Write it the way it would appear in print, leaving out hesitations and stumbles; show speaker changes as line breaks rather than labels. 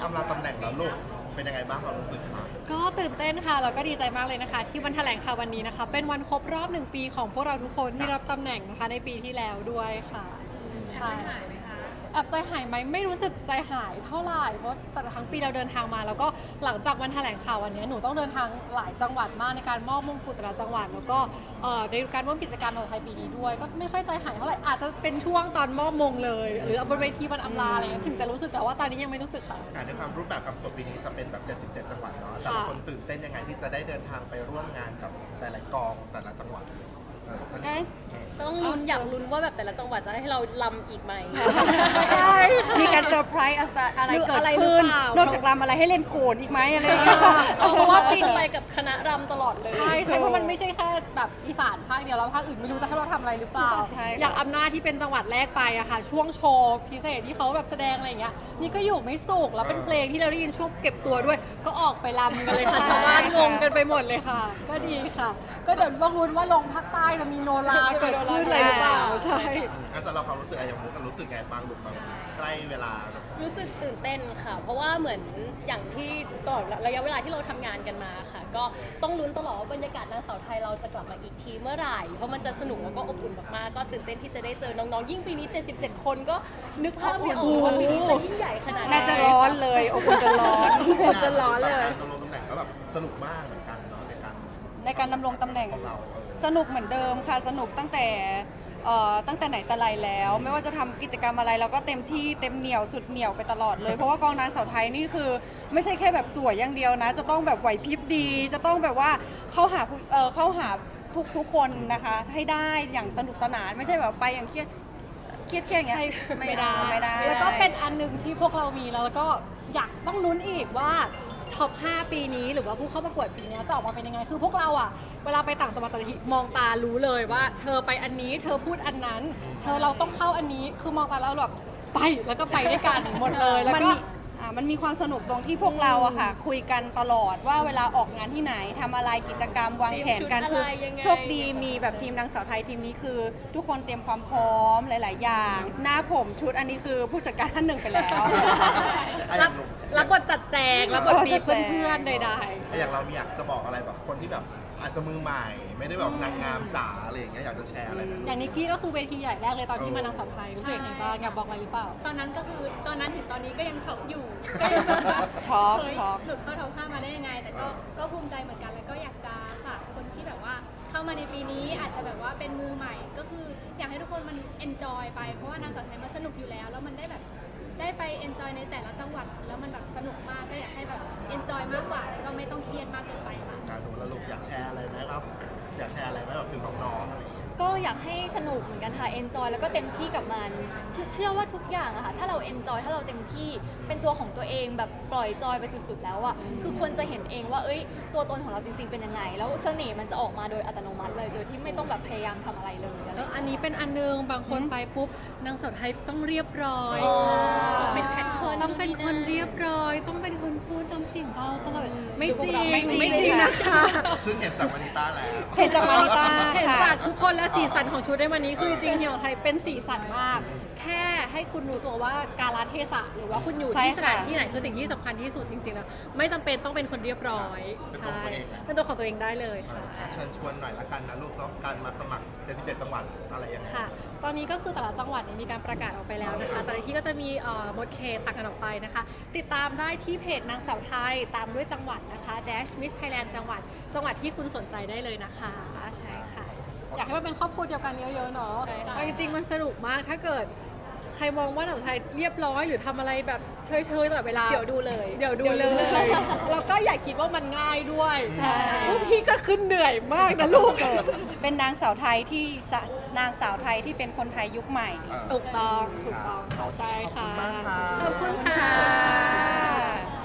ำลาตำแหน่งแล้วลูกเป็นยังไงบ้างความรู้สึกคะ
ก็ตื่นเต้นค่ะแล้วก็ดีใจมากเลยนะคะที่วันแถลงข่าววันนี้นะคะเป็นวันครบรอบ1 ปีของพวกเราทุกคนที่รับตำแหน่งนะคะในปีที่แล้วด้วยค่ะใช่แอบใจหายไหมไม่รู้สึกใจหายเท่าไหร่เพราะแต่ละทั้งปีเราเดินทางมาแล้วก็หลังจากวันแถลงข่าววันนี้หนูต้องเดินทางหลายจังหวัดมากในการมอบมงกุฎแต่ละจังหวัดแล้วก็ในการร่วมกิจกรรมของไทยปีนี้ด้วยก็ไม่ค่อยใจหายเท่าไหร่อาจจะเป็นช่วงตอนมอบมงเลยหรือบนเวทีวันอำลาอะไรเงี้ยถึงจะรู้สึกแต่ว่าตอนนี้ยังไม่รู้สึกค่ะ
ในความรูปแบบกับตัวปีนี้จะเป็นแบบ77จังหวัดเนาะแต่ละคนตื่นเต้นยังไงที่จะได้เดินทางไปร่วมงานกับแต่ละกองแต่ละจังหวัด
ต้องลุ้นอยากลุ้นว่าแบบแต่ละจังหวัดจะให้เราลำอีกไหม
มีการเซอร์ไพรส์อะไรเกิดขึ้นนอกจากรำอะไรให้เล่นโขนอีกไหมอะไรอย่างเงี้ย
เพราะว่าปีจะไปกับคณะรำตลอดเลย
ใช่เพราะมันไม่ใช่แค่แบบอีสานภาคเดียวแล้วภาคอื่นไม่รู้จะให้เราทำอะไรหรือเปล่าอย่างอำนาจที่เป็นจังหวัดแรกไปอะค่ะช่วงโชว์พิเศษที่เขาแบบแสดงอะไรอย่างเงี้ยนี่ก็อยู่ไม่สุขแล้วเป็นเพลงที่เราได้ยินช่วงเก็บตัวด้วยก็ออกไปรำกันเลยค่ะชาวบ้านงงกันไปหมดเลยค่ะ ก็ดีค่ะ ก็เดี๋ยวลองลุ้นว่าลงภาคใต้จะมีโนราเกิดขึ้นอะไรหรือเปล่าใช่
สำหรับความรู้สึกอย่างมุกรู้สึกไงบ้างลูกตอนใกล้เวลา
รู้สึกตื่นเต้นค่ะเพราะว่าเหมือนอย่างที่ตลอดระยะเวลาที่เราทำงานกันมาค่ะก็ต้องลุ้นตลอดว่าบรรยากาศนางสาวไทยเราจะกลับมาอีกทีเมื่อไหร่เพราะมันจะสนุกแล้วก็อบอุ่นมากๆก็ตื่นเต้นที่จะได้เจอน้องๆยิ่งปีนี้77คนก็นึกภาพไม่ออกว่าปีนี้จะยิ่งใหญ่ขนาดไหน
น่าจะร้อนเลยอบอุ่นจนร้อน
จะร้อนเลย
การดำรงตำแหน่งก็แบบสนุกมากเหมือนกันเนาะในการ
ดำรงตำแหน่ง
ของเรา
สนุกเหมือนเดิมค่ะสนุกตั้งแต่ไหนแต่ไรแล้ว ไม่ว่าจะทำกิจกรรมอะไรเราก็เต็มที่เต็มเหนียวสุดเหนียวไปตลอดเลยเพราะว่ากองนางสาวไทยนี่คือไม่ใช่แค่แบบสวยอย่างเดียวนะจะต้องแบบไหวพริบดีจะต้องแบบว่าเข้าหาทุกคนนะคะให้ได้อย่างสนุกสนานไม่ใช่แบบไปอย่างเครียดอย่างเงี้ยไม่ได้
แล้วก็เป็นอันหนึ่งที่พวกเรามีแล้วก็อยากต้องลุ้นอีกว่าท็อป 5 ปีนี้หรือว่าผู้เข้าประกวดปีนี้จะออกมาเป็นยังไงคือพวกเราอะเวลาไปต่างจังหวัดแต่ละทีมองตารู้เลยว่าเธอไปอันนี้เธอพูดอันนั้นเราต้องเข้าอันนี้คือมองตาแล้วแบบไปแล้วก็ไปด้วยกันหมดเลยแล้วก็
มันมีความสนุกตรงที่พวกเราอะค่ะคุยกันตลอดว่าเวลาออกงานที่ไหนทำอะไรกิจกรรมวางแผนกันคือโชคดีมีแบบทีมนางสาวไทยทีมนี้คือ ทุกคนเตรียมความพร้อมหลาย ๆ อย่างหน้าผมชุดอันนี้คือผู้จัดการท่านหนึ่งไปแล้ว
รับบทจัดแจงรับบทบีบเพื่อนๆใดๆ
อย่างเราอยากจะบอกอะไรแบบคนที่แบบอาจจะมือใหม่ไม่ได้แบบนางงามจ๋าอะไรอย่างเงี้ยอยากจะแชร์อะไรไหม
อย่างนิกกี้ก็คือเวทีใหญ่แรกเลยตอนที่มานางสาวไทยรู้สึกยังไงบ้างอยากบอกอะไรหรือเปล่า
ตอนนั้นก็คือตอนนั้นถึงตอนนี้ก็ยังช็อกอยู่
ช็อก
หลุดเข้าท็อป 5มาได้ยังไงแต่ก็ภูมิใจเหมือนกันแล้วก็อยากจะฝากคนที่แบบว่าเข้ามาในปีนี้อาจจะแบบว่าเป็นมือใหม่ก็คืออยากให้ทุกคนมันเอนจอยไปเพราะว่านางสาวไทยมันสนุกอยู่แล้วแล้วมันได้แบบได้ไปเอนจอยในแต่ละจังหวัดแล้วมันแบบสนุกมากก็อยากให้แบบเอนจอยมากกว่าแล้วก็ไม่ต้องเครียดมากเกินไปค่ะ
การดูแลลูกอยากแชร์อะไรไหมครับอยากแชร์อะไรไหมแบบถึงน้องๆอะไรอย่างเงี้ย
ก็อยากให้สนุกเหมือนกันค่ะ enjoy แล้วก็เต็มที่กับมันเชื่อว่าทุกอย่างอะค่ะถ้าเรา enjoy ถ้าเราเต็มที่เป็นตัวของตัวเองแบบปล่อยจอยไปสุดๆแล้วอะคือคนจะเห็นเองว่าตัวตนของเราจริงๆเป็นยังไงแล้วเสน่ห์มันจะออกมาโดยอัตโนมัติเลยโดยที่ไม่ต้องแบบพยายามทำอะไรเลย
แล้วอันนี้เป็นอันนึงบางคนไปปุ๊บนางสาวไทยต้องเรียบร้อย
เป็นแพทเทิร์น
ต้องเป็นคนเรียบร้อยต้องเป็นคนพูดน้ำเสียงเบาตลอดไม่จริงนะคะ
ซึ่งเห็นจากมานิต้าแล้ว
เห็นจากมานิต้า
เห็นจากทุกคนและสีสันของชุดในวันนี้คือจริงๆที่ของไทยเป็นสีสันมากแค่ให้คุณรู้ตัวว่ากาลเทศะหรือว่าคุณอยู่ที่สถานที่ไหนคือสิ่งที่สำคัญที่สุดจริงๆนะไม่จำเป็นต้องเป็นคนเรียบร้อยใช่เป็นตัวของตัวเองได้เลยค่ะ
เชิญชวนหน่อยละกันนะลูกเนาะการมาสมัคร77จังหวัดอะไรอย่างเงี้ย
ค่ะตอนนี้ก็คือแต่ละจังหวัดมีการประกาศออกไปแล้วนะคะแต่ละที่ก็จะมีหมดเขตต่างกันออกไปนะคะติดตามได้ที่เพจนางสาวไทยตามด้วยจังหวัดนะคะ Miss Thailand จังหวัดที่คุณสนใจได้เลยนะคะใช่ค่ะอยากให้มันเป็นครอบครัวเดียวกันเยอะๆเนาะจริงๆมันสนุกมากถ้าเกิดใครมองว่าหนังไทยเรียบร้อยหรือทำอะไรแบบเฉยๆตลอดเวลา
เดี๋ยวดูเลย
แล้วก็อย่าคิดว่ามันง่ายด้วยพวกพี่ก็ขึ้นเหนื่อยมากนะลูก
เป็นนางสาวไทยที่เป็นคนไทยยุคใหม่
ถูกต้องใช่ค่ะ
ขอบคุณมากค่ะ
ขอบคุณค่ะ